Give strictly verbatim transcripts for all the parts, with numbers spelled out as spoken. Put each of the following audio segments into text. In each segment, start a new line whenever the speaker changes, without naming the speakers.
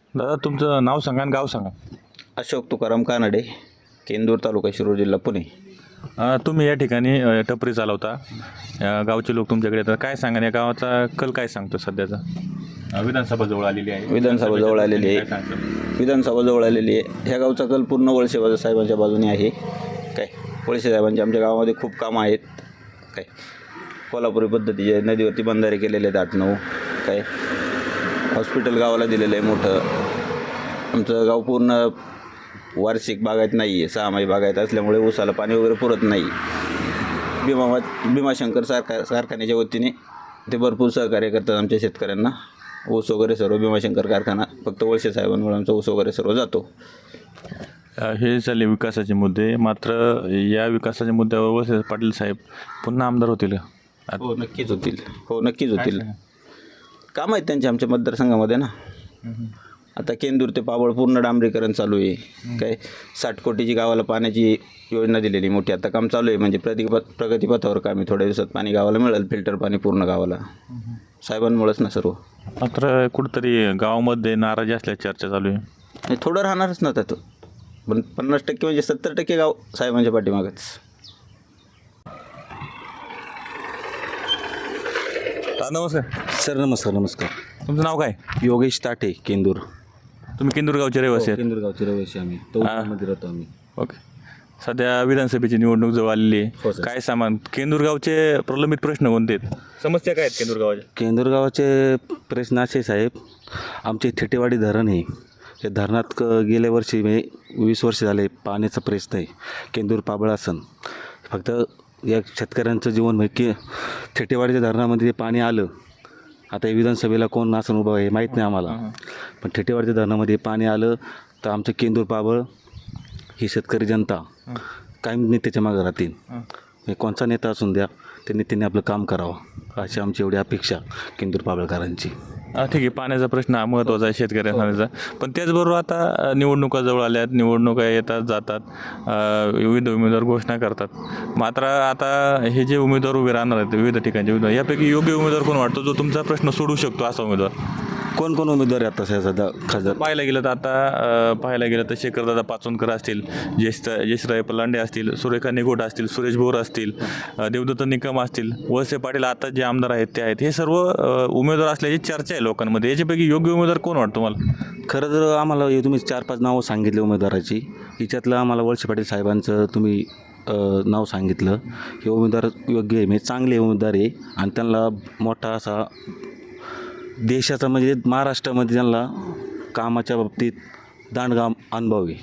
दादा तुमचं नाव सांगा आणि गाव सांगा.
अशोक तुकाराम कानडे, केंदूर तालुका शिरूर जिल्हा पुणे.
अ, तुम्ही या ठिकाणी अ, टपरी चालवता. अ, गावचे लोक तुमच्याकडे येतात. काय सांगा या गावाचा कल काय सांगतो सध्याचा? अ, विधानसभा जवळ आलेली आहे.
विधानसभा जवळ आलेली आहे.
काय सांगतो?
विधानसभा जवळ आलेली आहे. ह्या गावचा कल पूर्ण वळसे साहेबांच्या बाजूने आहे. काय वळसे साहेबांचे आमच्या गावामध्ये खूप कामं आहेत. काय कोल्हापुरी पद्धतीचे नदीवरती बंधारे केलेले आहेत आठ नऊ. काय हॉस्पिटल गावाला दिलेलं आहे मोठं. आमचं गाव पूर्ण वार्षिक बागायत नाही आहे, सहामाही बागायत असल्यामुळे ऊसाला पाणी वगैरे पुरत नाही. भीमा भीमाशंकर कारखा कारखान्याच्या वतीने ते भरपूर सहकार्य करतात आमच्या शेतकऱ्यांना. ऊस वगैरे सर्व भीमाशंकर कारखाना फक्त वळसे साहेबांमुळे आमचा ऊस वगैरे सर्व जातो.
अ, हे झाले विकासाचे मुद्दे. मात्र या विकासाच्या मुद्द्यावर वळसे पाटील साहेब पुन्हा आमदार होतील का?
हो नक्कीच होतील. हो नक्कीच होतील. काम आहेत त्यांच्या आमच्या मतदारसंघामध्ये ना. आता केंदूर ते पाबळ पूर्ण डांबरीकरण चालू आहे. काय साठ कोटीची गावाला पाण्याची योजना दिलेली मोठी. आता काम चालू आहे. म्हणजे प्रगतीपथ प्रगतीपथावर काम आहे. थोड्या दिवसात पाणी गावाला मिळेल, फिल्टर पाणी पूर्ण गावाला. साहेबांमुळेच ना सर्व.
मात्र कुठंतरी गावामध्ये नाराजी असल्याची चर्चा चालू आहे.
आणि थोडं राहणारच ना त्यात. पण पन्नास टक्के म्हणजे सत्तर टक्के गाव साहेबांच्या पाठीमागच.
नमस्कार
सर. नमस्कार. नमस्कार.
तुमचं नाव काय?
योगेश ताटे, केंदूर.
तुम्ही केंदूर गावचे रहिवासी आहेत.
केंदूर गावचे रहिवासी आम्ही. तौमध्ये राहतो आम्ही.
ओके. सध्या विधानसभेची निवडणूक जवळ आलेली
हो
आहे.
सर.
काय सामान केंदूर गावचे प्रलंबित प्रश्न कोणते आहेत? समस्या काय आहेत केंदूर गावाच्या?
केंदूर गावाचे प्रश्न असे साहेब, आमचे थेटेवाडी धरण आहे. हे धरणात क गेल्या वर्षी म्हणजे वीस वर्ष झाले पाण्याचा प्रश्न आहे. केंदूर पाबळासन फक्त या शेतकऱ्यांचं जीवन म्हणजे की थेटेवाडीच्या धरणामध्ये ते पाणी आलं. आता हे विधानसभेला कोण आसन उभं आहे माहीत नाही आम्हाला. पण थेटेवाडीच्या धरणामध्ये पाणी आलं तर आमचं केंदूर पाबळ ही शेतकरी जनता कायम नेत्याच्या मागं राहतील. म्हणजे कोणचा नेता असून द्या, त्या नेत्याने आपलं काम करावं अशी आमची एवढी अपेक्षा केंदूर पाबळकरांची.
हा ठीक आहे. पाण्याचा प्रश्न हा महत्त्वाचा आहे शेतकऱ्यांचा. पण त्याचबरोबर आता निवडणुका जवळ आल्यात. निवडणुका येतात जातात. अ, विविध उमेदवार घोषणा करतात. मात्र आता हे जे उमेदवार उभे राहणार आहेत विविध ठिकाणचे उमेदवार, यापैकी योग्य उमेदवार कोण वाटतो जो तुमचा प्रश्न सोडू शकतो असा उमेदवार?
कोण कोण उमेदवार आहे आता सध्या खासदार?
पाहायला गेलं तर आता अ, पाहायला गेलं तर शेखरदादा पाचोनकर असतील, ज्येष्ठ जयश्राय पलांडे असतील, सुरेखा निगोट असतील, सुरेश भोर असतील, अ, देवदत्त निकम असतील, वळसे पाटील आता जे आमदार आहेत ते आहेत. हे सर्व अ, उमेदवार असल्याची चर्चा आहे लोकांमध्ये. याच्यापैकी योग्य उमेदवार कोण वाटतो मला?
खरं तर आम्हाला हे तुम्ही चार पाच नावं सांगितले उमेदवाराची. हिच्यातलं आम्हाला वळसे पाटील साहेबांचं तुम्ही अ, नाव सांगितलं. हे उमेदवार योग्य आहे, म्हणजे चांगले उमेदवार आहे. आणि त्यांना मोठा असा देशाचा म्हणजे महाराष्ट्रामध्ये त्यांना कामाच्या बाबतीत दांडगा अनुभव आहे.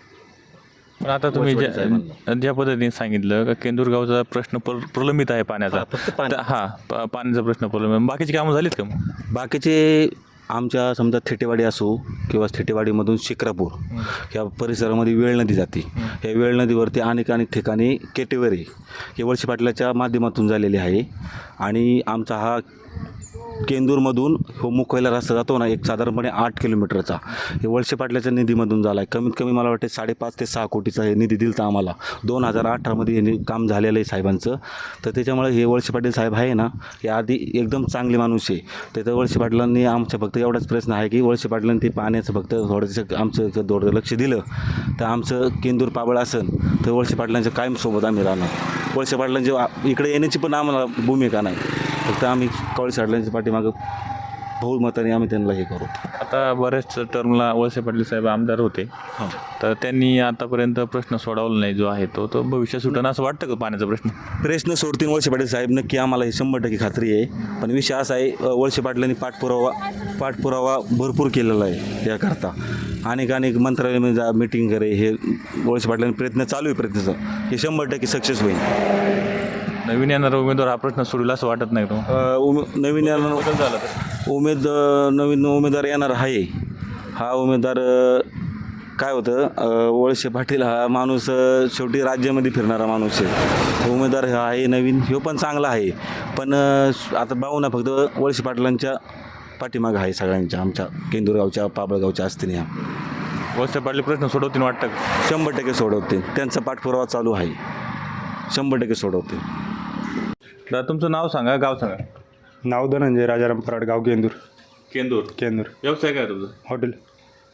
पण आता तुम्ही ज्या ज्या पद्धतीने सांगितलं का केंदूर गावचा प्रश्न प्र प्रलंबित आहे पाण्याचा.
फक्त पाणी.
तर हा पा पाण्याचा प्रश्न प्रलंबित. बाकीची कामं झालीत का मग?
बाकीचे आमच्या समजा थेटेवाडी असो किंवा थेटेवाडीमधून शिक्रापूर या परिसरामध्ये वेळ नदी जाते. या वेळ नदीवरती अनेक अनेक ठिकाणी केटेवरी हे वळसे पाटलाच्या माध्यमातून झालेले आहे. आणि आमचा हा केंदूरमधून हो मुंबईला रस्ता जातो ना, एक साधारणपणे आठ किलोमीटरचा, हे वळसे पाटलाच्या निधीमधून झाला आहे. कमीत कमी मला वाटते साडेपाच ते सहा कोटीचा हे निधी दिला तर आम्हाला दोन हजार अठरामध्ये हे काम झालेलं आहे साहेबांचं. तर त्याच्यामुळे हे वळसे पाटील साहेब आहे ना, हे आधी एकदम चांगले माणूस आहे. तर वळसे पाटलांनी आमचा फक्त एवढाच प्रश्न आहे की वळसे पाटलांनी ते पाण्याचं फक्त थोडंसं आमचं थोडं लक्ष दिलं तर आमचं केंदूर पाबळ असेल तर वळसे पाटलांच्या कायमसोबत आम्ही राहणार. वळसे पाटलांची इकडे येण्याची पण आम्हाला भूमिका नाही. फक्त आम्ही वळसे पाटलांच्या पाठीमागं बहुमताने आम्ही त्यांना हे करू.
आता बऱ्याच टर्मला वळसे पाटील साहेब आमदार होते. तर त्यांनी आतापर्यंत प्रश्न सोडवला नाही जो आहे तो तो भविष्यात सुटणं असं वाटतं का पाण्याचा प्रश्न?
प्रश्न सोडतील वळसे पाटील साहेब नक्की, आम्हाला हे शंभर टक्के खात्री आहे. पण विषय असा आहे, वळसे पाटलांनी पाठपुरावा पाठपुरावा भरपूर केलेला आहे याकरता. अनेक अनेक मंत्रालयामध्ये जा मिटिंग करे, हे वळसे पाटलांनी प्रयत्न चालू आहे. प्रयत्न हे शंभर टक्के सक्सेस होईल.
नवीन येणारा उमेदवार हा प्रश्न सोडला असं वाटत नाही तो?
उमे नवीन येणार
झाला तर
उमेद नवीन उमेदवार येणार आहे. हा उमेदवार काय होतं, वळसे पाटील हा माणूस शेवटी राज्यामध्ये फिरणारा माणूस आहे. उमेदवार हा आहे नवीन, ह्यो पण चांगला आहे. पण आता पाहू ना, फक्त वळसे पाटलांच्या पाठीमागं आहे सगळ्यांच्या, आमच्या केंदूरगावच्या पाबळगावच्या असतील. ह्या
वळसे पाटील प्रश्न सोडवतील वाटतं का?
शंभर टक्के सोडवतील. त्यांचा पाठपुरावा चालू आहे. शंभर टक्के सोडवतील.
दादा तुमचं नाव सांगा, गाव सांगा.
नाव धनंजय राजाराम पराड, गाव केंदूर.
केंदूर.
केंदूर.
व्यवसाय काय तुझं?
हॉटेल.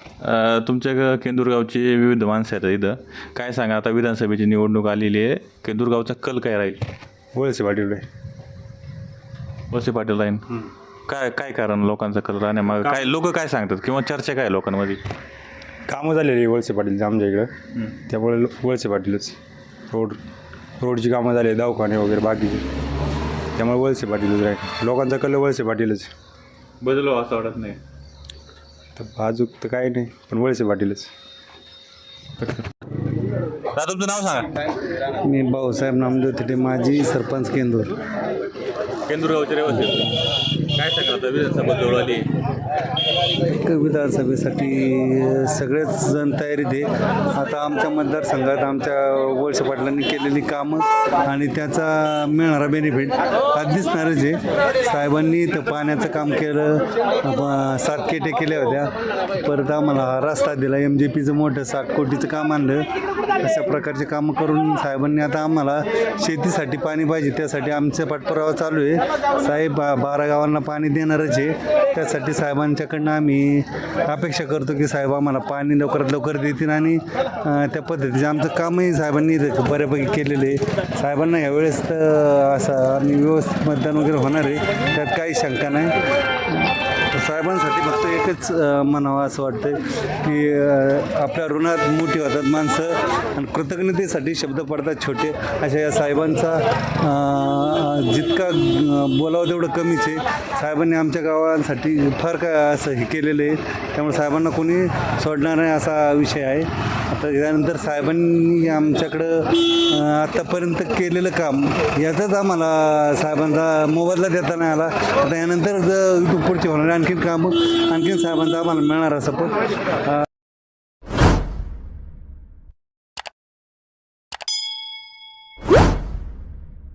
अ, तुमच्या ग- केंदूरगावची विविध माणसं आहेत इथं. काय सांगा, आता विधानसभेची निवडणूक आलेली आहे, केंदूरगावचा कल काय राहील?
वळसे पाटील
वळसे पाटील राहील. काय काय कारण लोकांचा कल राहण्यामागं काय, लोक काय सांगतात किंवा चर्चा काय आहे लोकांमध्ये?
कामं झालेली आहे वळसे पाटीलची आमच्या इकडं, त्यामुळे लो- वळसे पाटीलच. रोड रोडची कामं झाली, दवाखाने वगैरे बाकीचे, त्यामुळे वळसे पाटीलच राहील. लोकांचा कल वळसे पाटीलच.
बदल व्हावा असं वाटत नाही.
तर अजून तर काही नाही, पण वळसे पाटीलच.
दादा तुमचं नाव सांगा.
मी भाऊसाहेब नामदेव तिथे माजी सरपंच केंदूर.
केंदूरगावचे रहिवासी. काय सांगा, आता विधानसभा जवळ आली.
विधानसभेसाठी सगळेच जण तयारीत आहे. आता आमच्या मतदारसंघात आमच्या वळसे पाटलांनी केलेली कामं आणि त्याचा मिळणारा बेनिफिट हा दिसणारच आहे. साहेबांनी तर पाण्याचं काम केलं, ब- सात केटे केल्या होत्या, परत आम्हाला हा रस्ता दिला, एम जे पीचं मोठं साठ कोटीचं काम आणलं. अशा प्रकारचे कामं करून साहेबांनी आता आम्हाला शेतीसाठी पाणी पाहिजे, त्यासाठी आमचा पाठपुरावा चालू आहे. साहेब बा बारा गावांना पाणी देणारच आहे. त्यासाठी साहेबांच्याकडनं आम्ही अपेक्षा करतो की साहेब आम्हाला पाणी लवकरात लवकर देतील आणि अं, त्या पद्धतीचं आमचं कामही साहेबांनी इथं बऱ्यापैकी केलेलं आहे. साहेबांना यावेळेस तर असं आणि व्यवस्थित मतदान वगैरे होणार आहे, त्यात काही शंका नाही. साहेबांसाठी फक्त एकच अं, म्हणावं असं वाटतं की अं, आपल्या ऋणात मोठी होतात माणसं आणि कृतज्ञतेसाठी शब्द पडतात छोटे. अशा या साहेबांचा अं, जितका अं, बोलावं तेवढं कमीच आहे. साहेबांनी आमच्या गावांसाठी फार काय असं हे केलेलं आहे, त्यामुळे साहेबांना कोणी सोडणार नाही असा विषय आहे. आता त्यानंतर साहेबांनी आमच्याकडं अं, आत्तापर्यंत केलेलं काम याचाच आम्हाला साहेबांचा मोबदला देता नाही आला. आता यानंतर जर इथून पुढचे होणारे आणखीन कामं आणखीन साहेबांचा आम्हाला मिळणार सपोर्ट